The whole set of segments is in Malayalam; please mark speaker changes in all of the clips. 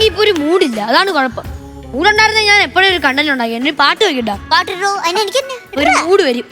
Speaker 1: എനിക്ക് ഇപ്പൊ ഒരു മൂഡില്ല, അതാണ് കുഴപ്പം. മൂടുണ്ടായിരുന്ന ഞാൻ എപ്പോഴും ഒരു കണ്ടന്റ് ഉണ്ടാക്കി. എന്നെ പാട്ട് വെക്കണ്ട,
Speaker 2: പാട്ടിട്ടോ എനിക്ക്
Speaker 1: ഒരു മൂഡ് വരും.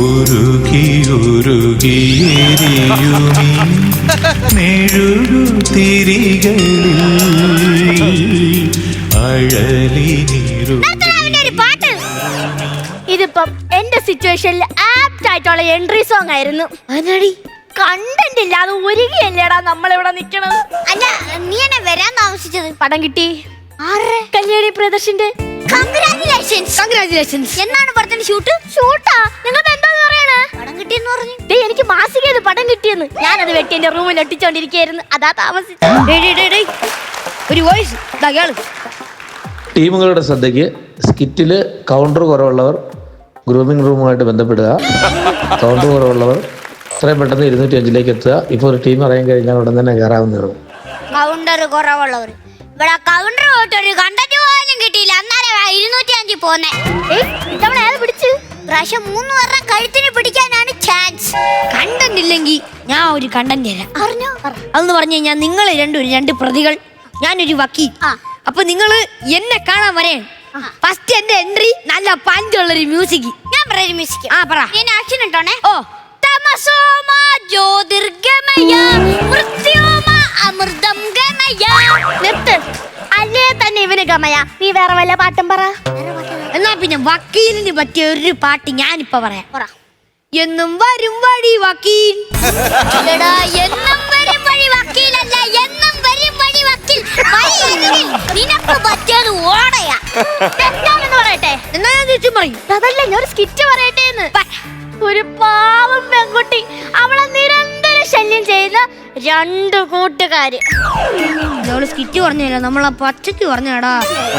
Speaker 2: ഇതിപ്പം എന്റെ സിറ്റുവേഷനിൽ ആപ്റ്റ് ആയിട്ടുള്ള എൻട്രി സോങ് ആയിരുന്നു.
Speaker 1: അതിനടി
Speaker 2: കണ്ടന്റ് ഇല്ലാതെ ഒരുങ്ങിയല്ലേടാ നമ്മളിവിടെ നിക്കണത്. അല്ല നീ എന്നെ വരാൻ താമസിച്ചത്. പടം കിട്ടി. കല്യാണി പ്രിയദർശന്റെ.
Speaker 1: കൺഗ്രാജുലേഷൻസ്.
Speaker 2: എന്നാണ് പടത്തിന്റെ ഷൂട്ട്? ഷൂട്ടാ? നിങ്ങൾക്ക് എന്താന്ന് പറയണേ? പടം കിട്ടിയെന്ന് പറഞ്ഞു. എനിക്ക് മാസികയിൽ പടം കിട്ടിയെന്ന്. ഞാനത് വെട്ടി എന്റെ റൂമിൽ ഒട്ടിച്ചോണ്ടിരിക്കുകയായിരുന്നു, അതാ താമസിച്ചത്.
Speaker 1: ഒരു വോയിസ്
Speaker 3: ടീമുകളുടെ ശ്രദ്ധയ്ക്ക്, സ്കിറ്റില് കൗണ്ടർ കുറവുള്ളവർ ഗ്രൂമിംഗ് റൂമുമായിട്ട് ബന്ധപ്പെടുക. കൗണ്ടർ കുറവുള്ളവർ എത്രയും പെട്ടെന്ന് 205 എത്തുക. ഇപ്പൊ ഒരു ടീം അറിയാൻ കഴിഞ്ഞാൽ ഉടൻ തന്നെ കയറാവുന്നതാണ്.
Speaker 2: കൗണ്ടർ കുറവുള്ളവർ ഇവിടെ കൗണ്ടർ പോയിട്ടൊരു കണ്ടന്റ് പോലും കിട്ടിയില്ല. അന്നേരം 205 പോന്നെ. പിടിച്ച് പ്രാവശ്യം 3 വർഷം കഴുത്തിന് പിടിക്കാനാണ് ചാൻസ്.
Speaker 1: കണ്ടന്റ് ഇല്ലെങ്കിൽ ഞാൻ ഒരു കണ്ടന്റ് തരാം.
Speaker 2: അറിഞ്ഞോ?
Speaker 1: അതെന്ന് പറഞ്ഞു കഴിഞ്ഞാൽ നിങ്ങൾ രണ്ട് പ്രതികൾ, ഞാനൊരു വക്കീൽ. അപ്പൊ നിങ്ങൾ എന്നെ കാണാൻ വരേ. ഫസ്റ്റ് എന്റെ എൻട്രി നല്ല പഞ്ചുള്ളൊരു മ്യൂസിക്.
Speaker 2: ഞാൻ പറയുന്ന മ്യൂസിക്
Speaker 1: പറ.
Speaker 2: ഞാൻ ആക്ഷൻ ഇട്ടോണേ.
Speaker 1: ഓ
Speaker 2: തമസോമ ജ്യോതിർഗമയ മൃത്യോമ അമൃതം ഗമയ. നിർത്ത്. അല്ലേ തന്നെ ഇവന് ഗമയ. നീ വേറെ വല്ല പാട്ടും പറ.
Speaker 1: എന്നാ പിന്നെ വക്കീലിന് പറ്റിയ ഒരു പാട്ട് ഞാനിപ്പോ പറയാം. എന്നും വരും വഴി വക്കീൽ.
Speaker 2: എന്നും വരും വഴി വക്കീലല്ല, എന്നും വരും വഴി വക്കീൽ. നിനക്ക് പറ്റിയത് ഓടയാ. തെറ്റാണെന്ന് പറയട്ടെ.
Speaker 1: എന്നാ ഞാൻ തിരിച്ചും പറയും.
Speaker 2: അതല്ല, ഞാൻ ഒരു സ്കിറ്റ് പറയട്ടെ. ഒരു പാവം പെൺകുട്ടി, അവളെ നിരന്തരം ശല്യം ചെയ്യുന്ന 2 കൂട്ടുകാര്.
Speaker 1: സ്കിറ്റ് പറഞ്ഞല്ലോ, നമ്മളെ പച്ചക്ക് പറഞ്ഞാടാ.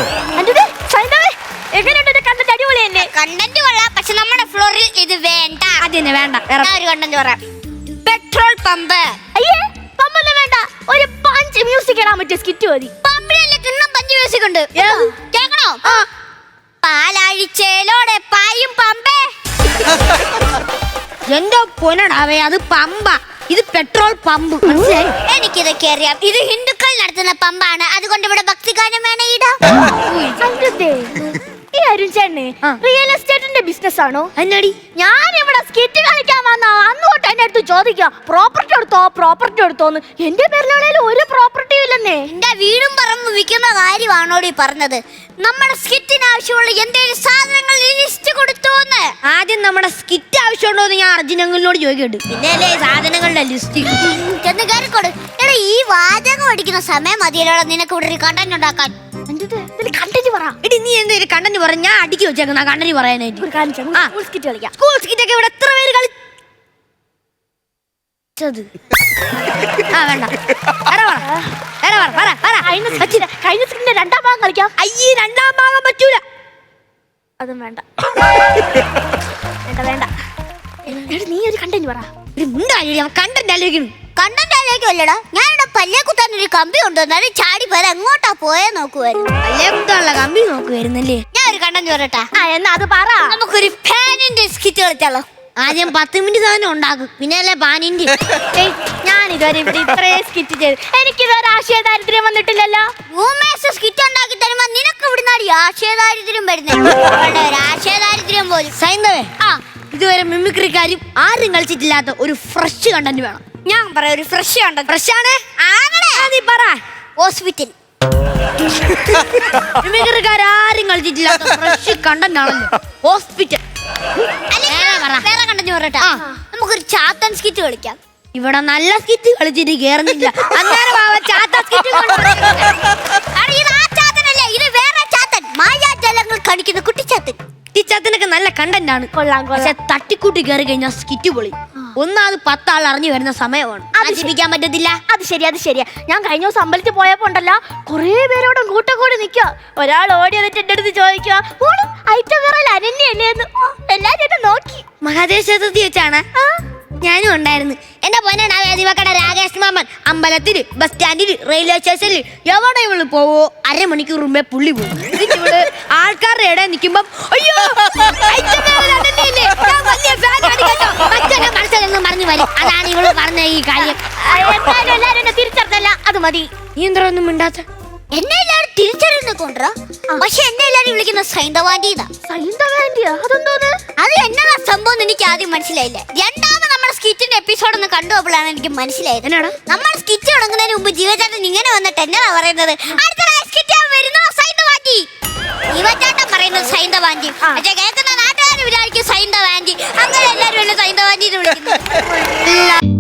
Speaker 2: കണ്ടന്റ് അടിപൊളി തന്നെ. കണ്ടന്റ് കൊള്ളാം, പക്ഷെ നമ്മുടെ ഫ്ലോറിൽ ഇത് വേണ്ട.
Speaker 1: അതിനെ വേണ്ട.
Speaker 2: ഒരു കണ്ടന്റ് പറയാം. Petrol pump. അയ്യേ, പമ്പൊന്നും വേണ്ട. ഒരു പഞ്ച് മ്യൂസിക് ഇടാൻ പറ്റിയ സ്കിറ്റ് മതി. പമ്പിലല്ലേ കിണ്ണം പഞ്ച് മ്യൂസിക് ഉണ്ട്. കേക്കണോ? പാലാഴിച്ചേലോടെ പായും പമ്പേ.
Speaker 1: എന്റെ പൊന്നടാവേ, അത് പമ്പ, ഇത് പെട്രോൾ പമ്പ്.
Speaker 2: എനിക്കിതൊക്കെ അറിയാം. ഇത് ഹിന്ദുക്കൾ നടത്തുന്ന പമ്പാണ്, അതുകൊണ്ട് ഇവിടെ ഭക്തിഗാനം വേണേ ഇടാം. ഈ അരുൺ ചേട്ടന് റിയൽ എസ്റ്റേറ്റിന്റെ ബിസിനസ് ആണോ?
Speaker 1: എന്നാടി
Speaker 2: ഞാൻ ഇവിടെ സ്കിറ്റ് കളിക്കാൻ വന്ന അന്ന് തൊട്ട് എന്റെ അടുത്ത് ചോദിക്കുക, പ്രോപ്പർട്ടി എടുത്തോന്ന്. എന്റെ പേരിലാണേലും ഒരു പ്രോപ്പർട്ടിയും ഇല്ലെന്നേ. എന്റെ വീടും പറമ്പ് വിൽക്കുന്ന കാര്യമാണോടി പറഞ്ഞത്? നമ്മുടെ സ്കിറ്റിന് ആവശ്യമുള്ള എന്തെങ്കിലും സാധനങ്ങൾ ലിസ്റ്റ് കൊടുത്തോന്ന്.
Speaker 1: ആദ്യം നമ്മുടെ സ്കിറ്റ് ആവശ്യമുണ്ടോ എന്ന് ഞാൻ അർജുനങ്ങളോട് ചോദിക്കട്ടെ.
Speaker 2: പിന്നല്ലേ സാധനങ്ങളുടെ ലിസ്റ്റ് ചെന്ന് കയറിക്കോട്. എടാ, ഈ വാചകം അടിക്കുന്ന സമയം മതിയല്ലോ നിനക്ക് ഇവിടെ ഒരു കണ്ടന്റ് ഉണ്ടാക്കാൻ. കണ്ടന്റ് പറ.
Speaker 1: എടി, നീ എന്തെങ്കിലും കണ്ടന്റ് പറ, ഞാൻ അടുക്കി വെച്ചേക്കുന്ന കണ്ടന്റ് പറയാനായിട്ട്.
Speaker 2: സ്കൂൾ സ്കിറ്റ് കളിക്കാം.
Speaker 1: സ്കൂൾ സ്കിറ്റ് ഒക്കെ ഇവിടെ എത്ര പേര് കളിച്ചത്? വേണ്ട,
Speaker 2: കഴിഞ്ഞ സ്കിറ്റിന്റെ 2ാം ഭാഗം കളിക്കാം.
Speaker 1: അയ്യേ, 2ാം ഭാഗം പറ്റൂല.
Speaker 2: അതും വേണ്ട. വേണ്ട. നീ ഒരു കണ്ടന്റ് പറ.
Speaker 1: കണ്ടന്റ് ആലോചിക്കണം.
Speaker 2: കണ്ടന്റ് ആലോചിക്കുമല്ലടാ. ഞാനിവിടെ പല്ലേ കുത്താൻ ഒരു കമ്പി കൊണ്ടുവന്നാലും ചാടി പോലെ എങ്ങോട്ടാ പോയെ നോക്കുവായിരുന്നു.
Speaker 1: പല്ലേ കുത്താനുള്ള കമ്പി നോക്കുവായിരുന്നല്ലേ.
Speaker 2: ഞാൻ ഒരു കണ്ടന്റ് പറയട്ടെ. എന്നാ അത് പറ. നമുക്കൊരു ഫാനിന്റെ സ്കിറ്റ് കളിച്ചാലോ?
Speaker 1: ആദ്യം 10 മിനിറ്റ് സാധനം ഉണ്ടാക്കും, പിന്നെ അല്ലേ പാനിന്റെ.
Speaker 2: ഞാൻ ഇതുവരെ ഇവിടെ ഇത്രയും സ്കിറ്റ് ചെയ്ത് എനിക്കിതുവരെ ആശയ ദാരിദ്ര്യം വന്നിട്ടില്ലല്ലോ. സ്കിറ്റ് ഉണ്ടാക്കി തരുമ്പോ നിനക്ക് ഇവിടുന്നാടി ആശയ ദാരിദ്ര്യം വരുന്നത്. ആശയ ദാരിദ്ര്യം പോലും.
Speaker 1: സൈന്ദവേ, ഇതുവരെ മിമിക്രിക്കാരും ആരും കളിച്ചിട്ടില്ലാത്ത ഒരു ഫ്രഷ് കണ്ടന്റ് വേണം.
Speaker 2: ഞാൻ പറയാം, ഒരു ഫ്രഷ് കണ്ടന്റ്.
Speaker 1: ഫ്രഷ് ആണ്. നീ പറ.
Speaker 2: ഹോസ്പിറ്റൽ.
Speaker 1: മിമിക്രിക്കാരും കളിച്ചിട്ടില്ലാത്ത ഫ്രഷ് കണ്ടന്റ് ആണല്ലോ ഹോസ്പിറ്റൽ.
Speaker 2: വേറെ കണ്ടന്റ് പറയട്ടെ. നമുക്കൊരു ചാത്തൻ സ്കിറ്റ് കളിക്കാം.
Speaker 1: ഇവിടെ നല്ല സ്കിറ്റ് കളിച്ചിട്ട് കേറുന്നില്ല. അന്നേരം ചാത്തൻ സ്കിറ്റ്.
Speaker 2: ഇത് ആ ചാത്തനല്ലേ, ഇത് വേറെ ചാത്തൻ. മായാജാലങ്ങൾ കാണിക്കുന്ന കുട്ടിച്ചാത്തൻ.
Speaker 1: കുട്ടിച്ചാത്തനൊക്കെ നല്ല കണ്ടന്റ് ആണ്. പക്ഷെ തട്ടിക്കൂട്ടി കയറി കഴിഞ്ഞാൽ സ്കിറ്റ് പൊളി. ഒന്നാമത് 10 ആൾ അറിഞ്ഞു വരുന്ന സമയമാണ്, നശിപ്പിക്കാൻ പറ്റത്തില്ല.
Speaker 2: അത് ശരിയാ. ഞാൻ കഴിഞ്ഞ ദിവസം അമ്പലത്തിൽ പോയപ്പോ ഉണ്ടല്ലോ, കുറേ പേരോടും കൂട്ടം കൂടി നിൽക്കുക. ഒരാൾ ഓടി വന്നിട്ട് എന്റെ അടുത്ത് ചോദിക്കുക, ഐറ്റം വിറൽ അനന്യല്ലേന്ന്. എല്ലാരും നോക്കി.
Speaker 1: മഹാദേവക്ഷേത്രത്തിൽ വെച്ചാണ് ഞാനും ഉണ്ടായിരുന്നു. എന്റെ പൊന്നാണ് വേദിവക്കട രാകേഷ് മാമൻ അമ്പലത്തില്, ബസ് സ്റ്റാൻഡില്, റെയിൽവേ സ്റ്റേഷനിൽ എവിടെ ഇവള് പോവോ 1/2 മണിക്കൂർ മുമ്പേ പുള്ളി പോകും. ഇവള് ആൾക്കാരുടെ ഇടയിൽ നിൽക്കുമ്പം അയ്യോ പറഞ്ഞു വരും. അതാണ് ഇവള് പറഞ്ഞ ഈ കാര്യം.
Speaker 2: എല്ലാരും തിരിച്ചറിഞ്ഞല്ല, അത് മതി.
Speaker 1: നീ എന്താ ഒന്നും മിണ്ടാത്ത?
Speaker 2: എന്നെ എല്ലാവരും തിരിച്ചറിയുന്ന കൊണ്ടുവരാ. പക്ഷെ എന്നെ എല്ലാരും വിളിക്കുന്ന സൈന്ധവാന്റിന്നാ.
Speaker 1: സൈന്ധവാന്റിയാ? അതെന്തോന്ന്?
Speaker 2: അത് എന്നതാ സംഭവം എനിക്ക് ആദ്യം മനസ്സിലായില്ല. രണ്ടാമത് നമ്മുടെ സ്കിറ്റിന്റെ എപ്പിസോഡ് ഒന്ന് കണ്ടുപോയപ്പോഴാണ് എനിക്ക് മനസ്സിലായത്.
Speaker 1: എന്നാണ്?
Speaker 2: നമ്മൾ സ്കിറ്റ് തുടങ്ങുന്നതിന് മുമ്പ് ജീവചാട്ടൻ ഇങ്ങനെ വന്നിട്ട് എന്നതാ പറയുന്നത്, അടുത്ത സ്കിറ്റ് വരുന്ന സൈന്ധവാന്റി. ജീവചാട്ടൻ പറയുന്നത് സൈന്ധവാന്റി, പക്ഷെ കേൾക്കുന്ന നാട്ടുകാർ വിചാരിക്കും സൈന്ധവാന്റി. അങ്ങനെ എല്ലാരും എന്നെ സൈന്ധവാന്റി എന്ന് വിളിക്കുന്നു.